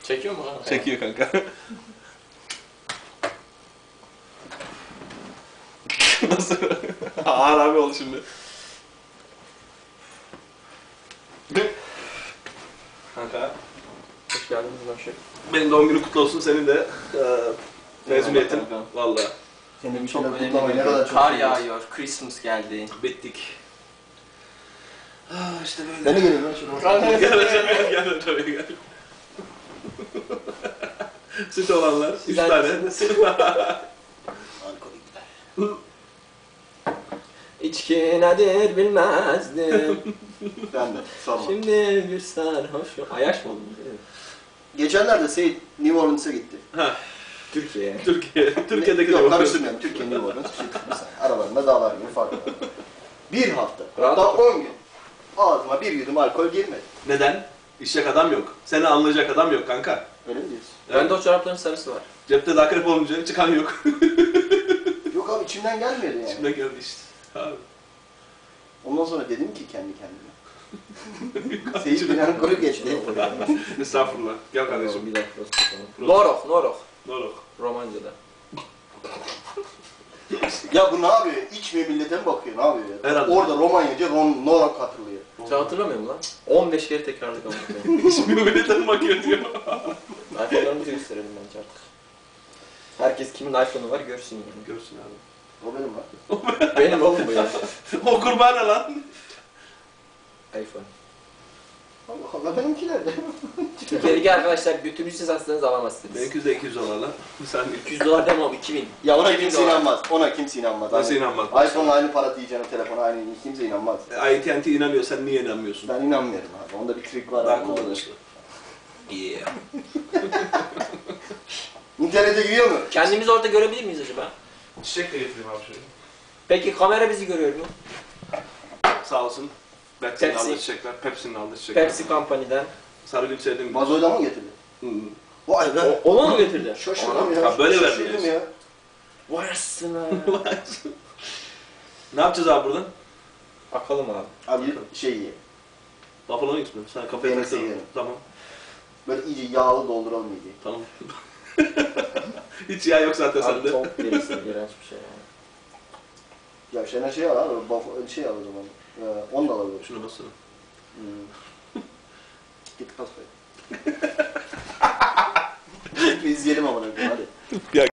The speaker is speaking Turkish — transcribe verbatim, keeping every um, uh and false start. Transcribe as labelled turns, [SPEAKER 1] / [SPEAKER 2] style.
[SPEAKER 1] Çekiyor mu kanka?
[SPEAKER 2] Çekiyor kanka. Nasıl? Ağır abi oldu şimdi. Kanka.
[SPEAKER 1] Hoş geldiniz Başak.
[SPEAKER 2] Benim doğum günü kutlu olsun, senin de e, mezuniyetin.
[SPEAKER 1] Eyvallah kanka.
[SPEAKER 2] Valla.
[SPEAKER 3] Senin
[SPEAKER 1] Çok
[SPEAKER 3] çok
[SPEAKER 1] önemli
[SPEAKER 3] kutlamayı ne kadar
[SPEAKER 1] bir
[SPEAKER 3] çok
[SPEAKER 1] kar
[SPEAKER 3] seviyoruz.
[SPEAKER 1] yağıyor, Christmas geldi.
[SPEAKER 2] Bittik. Ah işte böyle.
[SPEAKER 3] Ben de geleyim lan şuraya.
[SPEAKER 2] Gel hocam, gel hocam, gel. Süt olanlar, üç
[SPEAKER 1] Güzel
[SPEAKER 2] tane.
[SPEAKER 3] Alkolikler.
[SPEAKER 1] İçki nedir bilmezdim.
[SPEAKER 3] Ben de sorma.
[SPEAKER 1] Şimdi bir sarhoş. Ayaş mı oldun?
[SPEAKER 3] Geçenlerde Seyit New Orleans'a gitti.
[SPEAKER 2] Ha,
[SPEAKER 1] Türkiye.
[SPEAKER 2] Türkiye. Türkiye'deki de
[SPEAKER 3] Yok
[SPEAKER 2] bakıyorsun.
[SPEAKER 3] karıştırmayalım. Türkiye New Orleans. Şey, bir saniye. Aralarında dağlar gibi fark var. Bir hafta.
[SPEAKER 1] Rahat
[SPEAKER 3] Hatta
[SPEAKER 1] otur.
[SPEAKER 3] on gün. Ağzıma bir yudum alkol girmedi.
[SPEAKER 2] Neden? İşecek adam yok. Seni anlayacak adam yok kanka.
[SPEAKER 3] Öyle mi diyorsun?
[SPEAKER 1] Bende o çorapların sarısı var.
[SPEAKER 2] Cepte de akrep olunca çıkan yok.
[SPEAKER 3] Yok abi içimden gelmedi yani.
[SPEAKER 2] Şimdi geldi işte. Abi.
[SPEAKER 3] Ondan sonra dedim ki kendi kendime. Seyit beni alkolü geçti.
[SPEAKER 2] Estağfurullah. Gel kardeşim.
[SPEAKER 1] Bir dakika. Norok, Norok.
[SPEAKER 2] Norok.
[SPEAKER 1] Romanca'da.
[SPEAKER 3] Ya bu ne yapıyor? İçmiyor millete mi bakıyor? Ne yapıyor ya?
[SPEAKER 2] Herhalde.
[SPEAKER 3] Orada Romanyaca Ron Norak hatırlıyor.
[SPEAKER 1] Sen hatırlamıyor musun lan? on beş kere tekrarladık ama.
[SPEAKER 2] Hiçbir millete bakıyor diyor.
[SPEAKER 1] iPhone'larımızı gösterelim bence artık. Herkes kimin iPhone'u var görsün yani.
[SPEAKER 2] Görsün abi.
[SPEAKER 3] O benim lan.
[SPEAKER 1] Benim oğlum bu ya.
[SPEAKER 2] O kurban ne lan?
[SPEAKER 1] iPhone.
[SPEAKER 3] Allah Allah benimki nerede?
[SPEAKER 1] Türkiye'deki arkadaşlar götünüzü satsanız alamazsınız.
[SPEAKER 2] Benimki de iki yüz dolar lan. Sen
[SPEAKER 1] iki yüz dolar demem iki bin.
[SPEAKER 3] Ya ona
[SPEAKER 1] iki bin
[SPEAKER 3] kimse
[SPEAKER 1] dolar.
[SPEAKER 3] inanmaz. Ona kimse inanmaz.
[SPEAKER 2] Nasıl
[SPEAKER 3] Hani
[SPEAKER 2] inanmaz?
[SPEAKER 3] iPhone'la aynı para diyeceğine telefona aynı kimse inanmaz.
[SPEAKER 2] A T and T inanıyor, sen niye inanmıyorsun?
[SPEAKER 3] Ben inanmıyorum abi. Onda bir trik var.
[SPEAKER 2] Daha
[SPEAKER 3] abi.
[SPEAKER 2] kullanışlı. Yeah.
[SPEAKER 3] İnternete giriyor mu?
[SPEAKER 1] Kendimizi orada görebilir miyiz acaba?
[SPEAKER 2] Çiçek de getireyim abi şöyle.
[SPEAKER 1] Peki kamera bizi görüyor mu?
[SPEAKER 2] Sağ olsun. Pepsi'nin
[SPEAKER 1] Pepsi.
[SPEAKER 2] aldığı çiçekler, Pepsi'nin aldığı çiçekler.
[SPEAKER 1] Pepsi Company'den.
[SPEAKER 2] Sarıgül sevdiğim.
[SPEAKER 3] Vazoyla mı getirdi?
[SPEAKER 2] Hı.
[SPEAKER 3] Vay be.
[SPEAKER 1] O, onu mu getirdi?
[SPEAKER 3] Şaşırdım ya.
[SPEAKER 2] Ha, böyle
[SPEAKER 3] Şaşırdım
[SPEAKER 2] vermiyoruz.
[SPEAKER 3] ya.
[SPEAKER 1] Vay aslına.
[SPEAKER 2] Ne yapacağız abi buradan?
[SPEAKER 1] Bakalım abi.
[SPEAKER 3] Abi şey ye.
[SPEAKER 2] Buffalo Wings mi? Sen kafaya
[SPEAKER 3] Peynirsi
[SPEAKER 2] taktın.
[SPEAKER 3] yiyelim.
[SPEAKER 2] Tamam.
[SPEAKER 3] Böyle iyice yağlı dolduralım iyice.
[SPEAKER 2] Tamam. Hiç yağ yok zaten
[SPEAKER 1] Abi
[SPEAKER 2] sende.
[SPEAKER 1] tavuk derisi iğrenç bir şey yani.
[SPEAKER 3] Ya Şener şey al abi. Baf- şey al o zaman. Ee, onu da alabilir.
[SPEAKER 2] Şuna bassana.
[SPEAKER 3] Hmm. Git pas koy. Bir izleyelim ama hadi.
[SPEAKER 2] Ya